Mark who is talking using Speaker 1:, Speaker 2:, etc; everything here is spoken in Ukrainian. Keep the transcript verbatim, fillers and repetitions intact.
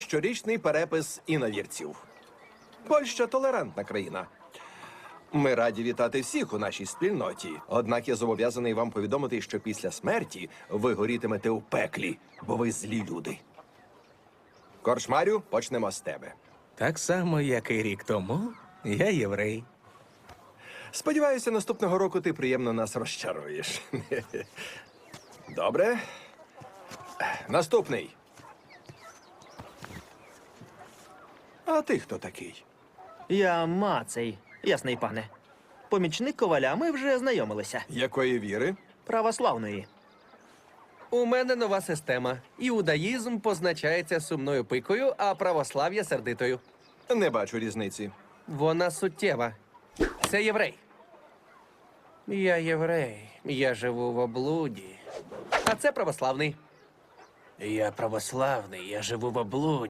Speaker 1: щорічний перепис іновірців. Польща – толерантна країна. Ми раді вітати всіх у нашій спільноті. Однак я зобов'язаний вам повідомити, що після смерті ви горітимете у пеклі, бо ви злі люди. Корчмарю, почнемо з тебе.
Speaker 2: Так само, як і рік тому, я єврей.
Speaker 1: Сподіваюся, наступного року ти приємно нас розчаруєш. Добре. Наступний. А ти хто такий?
Speaker 3: Я Мацей, ясний пане. Помічник коваля, ми вже знайомилися.
Speaker 1: Якої віри?
Speaker 3: Православної.
Speaker 4: У мене нова система. Іудаїзм позначається сумною пикою, а православ'я сердитою.
Speaker 1: Не бачу різниці.
Speaker 4: Вона суттєва. Це єврей. Я єврей. Я живу в облуді. А це православний. Я православний, я живу в облуді.